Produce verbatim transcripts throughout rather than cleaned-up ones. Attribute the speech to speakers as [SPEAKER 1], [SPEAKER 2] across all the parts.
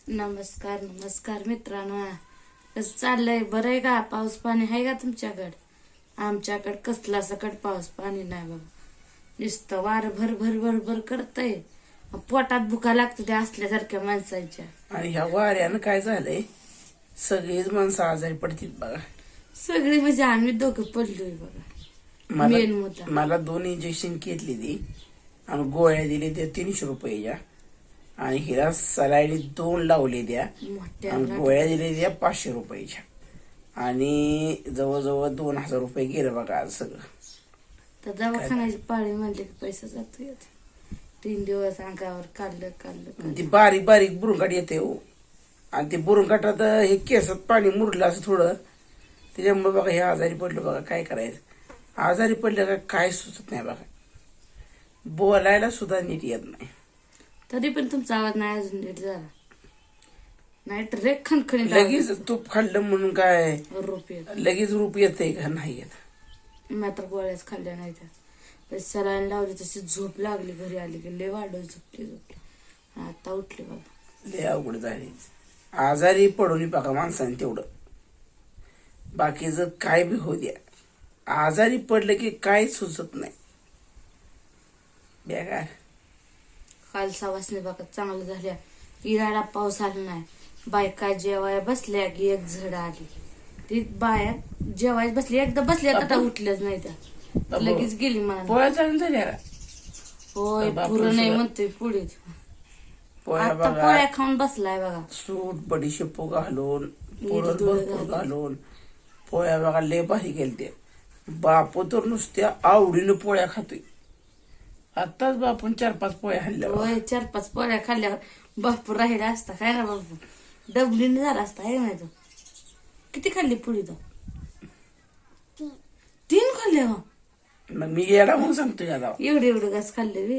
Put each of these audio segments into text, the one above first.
[SPEAKER 1] नमस्कार नमस्कार मित्रांनो, कसं चाललंय? बरं आहे का? पाऊस पाणी आहे का तुमच्याकडे? आमच्याकडे कसला सकट पाऊस पाणी नाही बघा. नुसतं वार भर भर भर भर करतय, पोटात भुका लागतो त्या असल्यासारख्या माणसांच्या.
[SPEAKER 2] आणि ह्या वाऱ्यानं काय झालंय, सगळीच माणसं आजारी पडतील बघा.
[SPEAKER 1] सगळी म्हणजे आम्ही दोघं पडलोय बघा. मेन मुद्दा
[SPEAKER 2] मला मला दोन इंजेक्शन घेतली ती आणि गोळ्या दिली त्या तीनशे रुपयाच्या, आणि हिला सलाईनी दोन लावले द्या
[SPEAKER 1] मोठ्या
[SPEAKER 2] आणि गोळ्या दिले द्या पाचशे रुपयाच्या, आणि जवळजवळ दोन हजार रुपये गेलं बघा आज सगळं.
[SPEAKER 1] तर दवाखान्याची पाळी म्हणले की पैसा जातो. तीन दिवस अंगावर काढलं काढलं
[SPEAKER 2] ती बारीक बारीक बुरुंगाट येते हो, आणि ते बुरुंगाटात हे केसात पाणी मुरलं असं थोडं, त्याच्यामुळे बघा हे आजारी पडलं बघा. काय करायचं? आजारी पडलं का काय सुचत नाही बघा, बोलायला सुद्धा नीट येत नाही.
[SPEAKER 1] तरी पण तुमचा आवाज नाही अजून नीट झाला नाही तर रे खणखणीत
[SPEAKER 2] लगेच तूप खाल्लं म्हणून काय
[SPEAKER 1] रूप येत.
[SPEAKER 2] लगेच रूप येतंय का? नाही येत.
[SPEAKER 1] मात्र गोळ्याच खाल्ल्या नाही त्या. सलाईन लावली तशी झोप लागली. घरी आली की लय वाढव झोपली झोपली आता उठले बघा.
[SPEAKER 2] लय अवघड झाली. आजारी पडून बघा माणसाने तेवढं, बाकीचं काय बी होऊ द्या, आजारी पडलं की काय सुचत नाही बेकार.
[SPEAKER 1] काल सवासने बघा चांगलं झाल्या. इराडा पाऊस आला नाही. बायका जेवाय बसल्या की एक झड आली. ती बाया जेवाय बसली, एकदा बसल्या आता उठल्याच नाही त्या, लगेच गेली मला.
[SPEAKER 2] पोळ्या चालून झाल्या का?
[SPEAKER 1] होय, पुरं नाही म्हणतोय पुढे.
[SPEAKER 2] पोळ्या
[SPEAKER 1] आता
[SPEAKER 2] बघा,
[SPEAKER 1] पोळ्या खाऊन बसलाय बघा.
[SPEAKER 2] सूट बडीशेपू घालून, पुरण भरपूर घालून पोळ्या बघा लय भारी गेलते. बापू तर नुसत्या आवडीनं पोळ्या खातोय. आताच बापून चार पाच पोळ्या खाल्ल्या.
[SPEAKER 1] होय, चार पाच पोळ्या खाल्ल्यावर बापू राहिला असता काय ना बापू, डबलीने झाला असता आहे नाही. तो किती खाल्ली पुढे? तो तीन खाल्ले. हो,
[SPEAKER 2] मग मी येडा म्हणून सांगतोय आता.
[SPEAKER 1] एवढे एवढे घास खाल्ले वे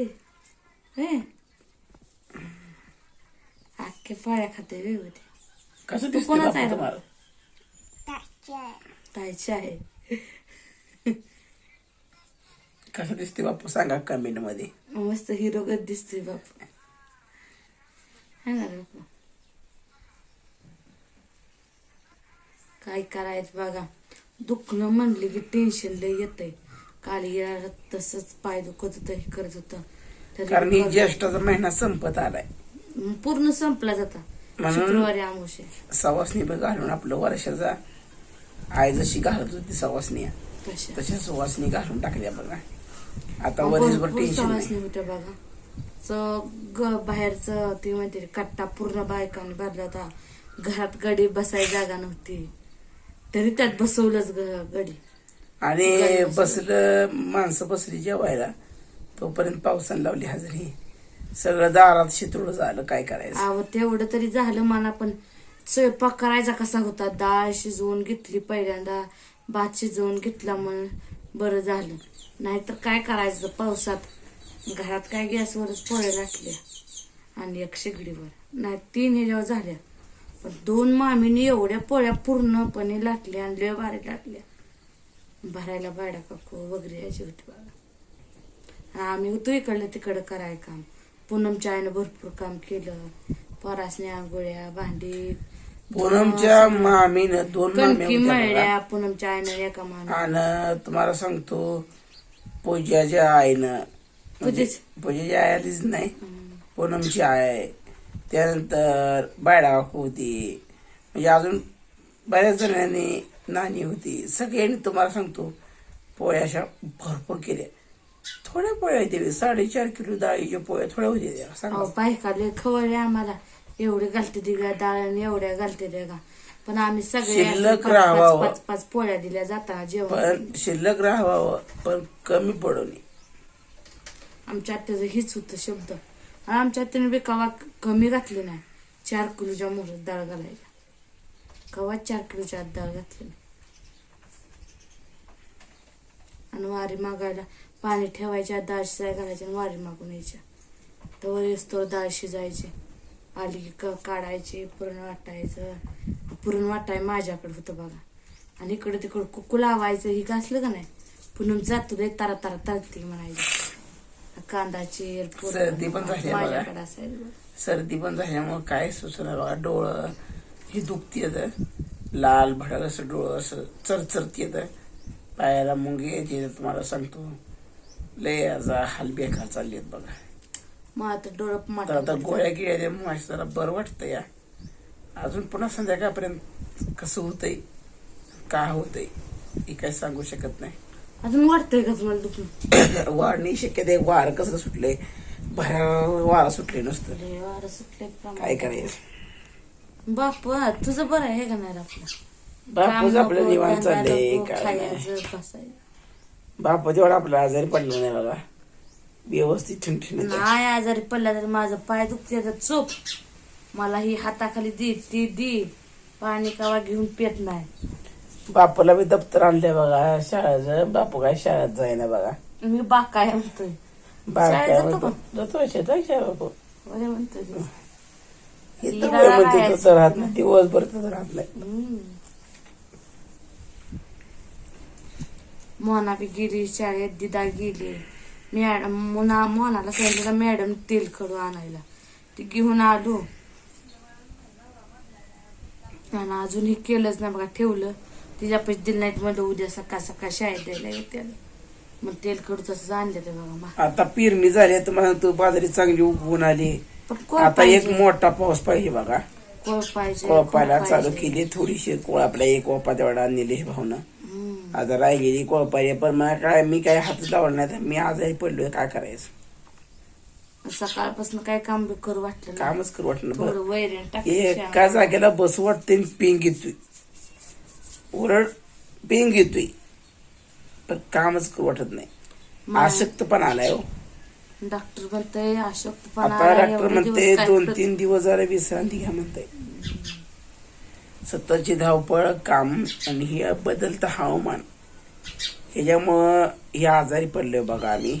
[SPEAKER 1] अख्खे पोळ्या खाते वे होते.
[SPEAKER 2] कसं
[SPEAKER 1] तू कोणाचा
[SPEAKER 2] दिसतंय
[SPEAKER 1] आहे
[SPEAKER 2] बापू तुम्हाला?
[SPEAKER 1] ताईची आहे.
[SPEAKER 2] कसं दिसते बापू सांगा कमेंट मध्ये.
[SPEAKER 1] मस्त हिरोगत दिसतोय बापू, है ना रे बापू? काय करायचं बघा. दुखणं म्हणले की टेन्शन लय येतंय. काल येणार तसंच पाय दुखत होतं, हे करत होतं.
[SPEAKER 2] कारण ही ज्येष्ठाचा महिना संपत आलाय,
[SPEAKER 1] पूर्ण संपला जाता. शुक्रवारी आमुषे
[SPEAKER 2] सवासणी बी घालून आपलं वर्षाचा आई जशी घालत होती सवासणी, तशा सवासणी घालून टाकल्या बघा. आता वरीसभर टेन्शन नाही.
[SPEAKER 1] होत्या बघा. ग बाहेरच ते म्हणते कट्टा पूर्ण बायकांनी भरला होता. घरात गडी बसाय जागा नव्हती, तरी त्यात बसवलंच गडी.
[SPEAKER 2] आणि बसलं माणसं बसली जेवायला, तोपर्यंत पावसाने लावली हजेरी. सगळं दारात शितूळ झालं. काय करायचं?
[SPEAKER 1] अहो तेवढं तरी झालं मला. पण स्वयंपाक करायचा कसा होता? डाळ शिजवून घेतली पहिल्यांदा, भात शिजवून घेतला म्हणून बरं झालं. नाहीतर काय करायचं पावसात? घरात काय गॅसवरच पोळ्या लाटल्या आणि एक शेगडीवर, नाही तीन ह्याच्यावर झाल्या. पण दोन मामीने एवढ्या पोळ्या पूर्णपणे लाटल्या आणि लय भारी लाटल्या. भरायला बायडा काकू वगैरे यायची होती बघा. आणि आम्ही होतो इकडलं तिकडं कराय काम. पूनमच्या आईनं भरपूर काम केलं. परासने आंघोळ्या, भांडी.
[SPEAKER 2] पूनमच्या मामीनं दोन
[SPEAKER 1] कणकी मळल्या पूनमच्या आईनं एका मामी.
[SPEAKER 2] आणि तुम्हाला सांगतो, पूजाच्या आईनं, पूजाच्या आई आलीच नाही, पूनमची आई, त्यानंतर बायडा काकू होती, म्हणजे अजून बऱ्याच जणांनी, नानी होती. सगळ्यांनी तुम्हाला सांगतो पोळ्या अशा भरपूर केल्या. थोड्या पोळ्या होते, साडेचार किलो डाळीच्या पोळ्या थोड्या होत्या सांगा.
[SPEAKER 1] बायका लय खवळले आम्हाला. एवढे घालते ती का डाळ आणि एवढ्या घालते त्या का. पण आम्ही सगळे पाच पाच पोळ्या दिल्या जाताना जेवण.
[SPEAKER 2] पण शिल्लक राहावं, पण कमी पडू नये.
[SPEAKER 1] आमच्या आत्याचं हीच होतं शब्द. आमच्या आत्याने बी कवा कमी घातली नाही. चार किलोच्या मोहरात डाळ घालायला, कवा चार किलोच्या आत डाळ घातली नाही. आणि वारी मागायला पाणी ठेवायच्या, डाळ शिजाय घालायची आणि वारी मागून यायच्या. तर वर येतो डाळ शिजायची, आली की काढायची, पुरण वाटायचं. पुरण वाटाय माझ्याकडे होतं बघा. आणि इकडे तिकडं कुकू लावायचं. ही घासलं का नाही पुन्हा जातो दे तारा तारा तरती म्हणायची. कांदा चिर
[SPEAKER 2] सर्दी पण झाली
[SPEAKER 1] माझ्याकडे असायचं.
[SPEAKER 2] सर्दी पण झाल्यामुळं काय सुचना बघा. डोळं ही दुखती येतं, लाल भडक असं डोळं असं चरचरती येतं, पायाला मुंगे येते. तुम्हाला सांगतो लय याचा हाल बेकार चालली आहेत बघा.
[SPEAKER 1] मग आता डोळं
[SPEAKER 2] तर
[SPEAKER 1] माट
[SPEAKER 2] आता गोळ्या गिळ्या माझं जरा बरं वाटतं या. अजून पुन्हा संध्याकाळपर्यंत कसं होतंय का होतंय हे काय सांगू शकत नाही.
[SPEAKER 1] अजून वाटतंय का तुम्हाला दुखणं?
[SPEAKER 2] वाढणी शक्यता आहे. वार कसं सुटलंय, भरा वारा सुटले नुसतं.
[SPEAKER 1] लय वारं सुटलंय
[SPEAKER 2] काय
[SPEAKER 1] प्रमाण.
[SPEAKER 2] करायचं.
[SPEAKER 1] बाप तुझं बरं आहे का नाही रे आपलं?
[SPEAKER 2] बापूच
[SPEAKER 1] काम
[SPEAKER 2] आपलं
[SPEAKER 1] नको,
[SPEAKER 2] निवांत
[SPEAKER 1] धंदा
[SPEAKER 2] चाललंय.
[SPEAKER 1] नको,
[SPEAKER 2] काय नाही
[SPEAKER 1] खायचं, बसायचं.
[SPEAKER 2] बापू तेवढा आपला आजारी पडला नाही बघा. व्यवस्थित ठणठणीत आहे.
[SPEAKER 1] नाही आजारी पडला तरी माझं पाय दुखते तर चोप. मला ही हाताखाली दे ती दी पाणी कावा घेऊन पेत नाही.
[SPEAKER 2] बापूला मी दप्तर आणलंय बघा शाळेचं. बापू काय शाळेत जाईना बघा.
[SPEAKER 1] मी बाकाय म्हणतोय.
[SPEAKER 2] बाळ
[SPEAKER 1] शाळेत
[SPEAKER 2] काय
[SPEAKER 1] जातो
[SPEAKER 2] म्हणतो, जातो शेतात काय बापू.
[SPEAKER 1] बरे म्हणतोय ते.
[SPEAKER 2] इथं
[SPEAKER 1] हिला
[SPEAKER 2] वय म्हणते
[SPEAKER 1] राहायचं.
[SPEAKER 2] तसं राहत नाही, दिवसभर तसं राहत नाही.
[SPEAKER 1] हम्म. मोना बी गेली शाळेत, दिदा गेली. मॅडम मोना मोनाला सांगितलं मॅडम तेल खडू आणायला. ती घेऊन आलो आणि अजून हे केलंच नाही बघा. ठेवलं तिच्या पैसे दिले नाहीत म्हणलं उद्या सकाळ सकाळ शाळेत द्यायला येते. मग तेल खडू तसंच आणलं ते बघा. मा-
[SPEAKER 2] आता पेरणी झाली, तुम्हाला तो बाजारी चांगली उगवून आली.
[SPEAKER 1] पण कोळ
[SPEAKER 2] आता एक
[SPEAKER 1] पाहिजे,
[SPEAKER 2] मोठा पाऊस पाहिजे बघा.
[SPEAKER 1] कोळ पाहिजे,
[SPEAKER 2] कोळपायला
[SPEAKER 1] कोळ
[SPEAKER 2] चालू
[SPEAKER 1] पाहिजे.
[SPEAKER 2] केली थोडीशी. कोळ आपल्या एक ओपा तेवढा आणलेली भावना.
[SPEAKER 1] हम्म.
[SPEAKER 2] आता राहिलेली कोळपायला पण मला काय, मी काय हात लावला नाही तर मी आजारी पडलोय. काय करायचं,
[SPEAKER 1] सकाळपासून काय काम बी करू वाटलं नाही.
[SPEAKER 2] कामच करू वाटलं
[SPEAKER 1] थोडं
[SPEAKER 2] बरं.
[SPEAKER 1] वैरण टाकलं
[SPEAKER 2] एका जागेला बस वाटते पेंग येतोय, ओरड पेंग येतोय, पण कामच करू वाटत नाही. आशक्त पण आलाय हो.
[SPEAKER 1] डॉक्टर म्हणतोय अशक्तपणा
[SPEAKER 2] आता
[SPEAKER 1] आलाय,
[SPEAKER 2] डॉक्टर
[SPEAKER 1] एवढे
[SPEAKER 2] म्हणते
[SPEAKER 1] दिवस काय
[SPEAKER 2] दोन
[SPEAKER 1] करत-
[SPEAKER 2] तीन दिवस जरा विश्रांती घ्या म्हणते. सततची धावपळ, काम आणि हे बदलतं हवामान ह्याच्यामुळं हे आजारी पडलोय बघा आम्ही.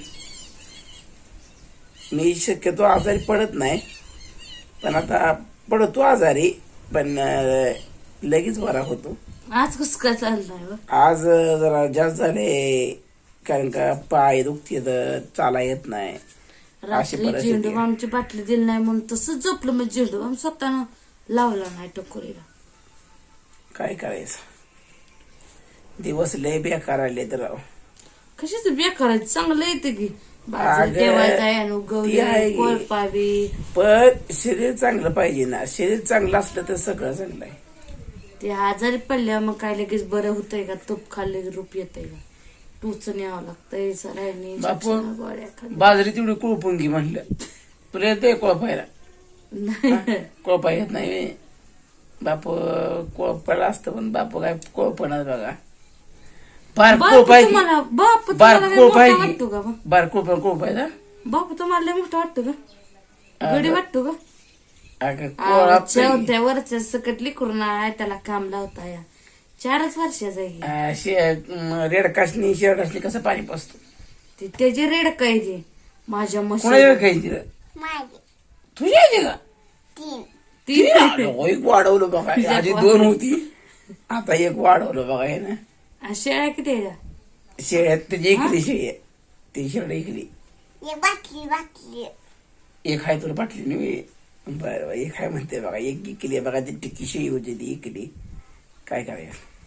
[SPEAKER 2] मी शक्यतो आजारी पडत नाही, पण आता पडतो आजारी, पण अं, लगेच बरा होतो.
[SPEAKER 1] आज कस काय चाललंय हो?
[SPEAKER 2] आज अं, जरा जास्त झाले, कारण का पाय दुखते, चाला येत नाही. अशी
[SPEAKER 1] रात्री
[SPEAKER 2] परिस्थिती
[SPEAKER 1] झेंडू
[SPEAKER 2] आहे.
[SPEAKER 1] बामची बाटली दिली नाही म्हणून तसंच झोपलं. मग झेंडू बाम स्वतःनं लावला नाही टकोरीला.
[SPEAKER 2] काय करायचं, दिवस लय बेकार आले तर राव.
[SPEAKER 1] कशाच बेकार चांगलं येते की
[SPEAKER 2] अगं,
[SPEAKER 1] बाजरी ठेवायचा आहे,
[SPEAKER 2] ती आहे
[SPEAKER 1] उगवली
[SPEAKER 2] की.
[SPEAKER 1] कोळपावी.
[SPEAKER 2] पण शरीर चांगलं पाहिजे ना. शरीर चांगलं असलं तर सगळं चांगलं आहे.
[SPEAKER 1] ते आजारी पडल्या मग काय लगेच बरं होतंय का? तूप खाल्ले की रूप येतंय का? टूचन यावं लागतंय सरायनी
[SPEAKER 2] बापू,
[SPEAKER 1] गोळ्या खाल्ल्या.
[SPEAKER 2] बाजरी तेवढी कुळपून घे म्हणलं. तुला येते कोळपायला?
[SPEAKER 1] नाही
[SPEAKER 2] कोळपा येत नाही बापू. कोळपायला असतं पण बापू काय कोळपणात बघा. बार
[SPEAKER 1] बापू
[SPEAKER 2] कोळपाय
[SPEAKER 1] तुम्हाला बापू
[SPEAKER 2] बार
[SPEAKER 1] तुम्हाला लय
[SPEAKER 2] कोळपाय
[SPEAKER 1] मोठा वाटतो का बा?
[SPEAKER 2] बार कोळपा कोळपायचा.
[SPEAKER 1] बापू तुम्हाला लय मोठा वाटतो का? गडी वाटतो का?
[SPEAKER 2] अगं कोळा
[SPEAKER 1] चौथ्या वरच्या सकट लिकरून आहे त्याला काम लावता या. चारच वर्षाचा आहे.
[SPEAKER 2] रेडकाशनी शेरडाशनी कसं पाणी पाचतो.
[SPEAKER 1] ते त्याची रेड काय ते माझ्या
[SPEAKER 2] कोणा
[SPEAKER 1] मशी
[SPEAKER 2] खायची रे? तुझी यायची का?
[SPEAKER 1] ती
[SPEAKER 2] एक वाढवलं बघा. आधी दोन होती, आता एक वाढवलं बघा हे ना.
[SPEAKER 1] शेळ्या किती आहे?
[SPEAKER 2] शेळ्यात त्याची इकली शेळी आहे, ती शेळ्या इकली.
[SPEAKER 3] बाटली बाटली
[SPEAKER 2] एक आहे तुला बाटली नाही. बरं बरं, एक आहे म्हणते बघा. एक इकली बघा. ती टिक्की शेळी होती ती इकली. काय करायचं.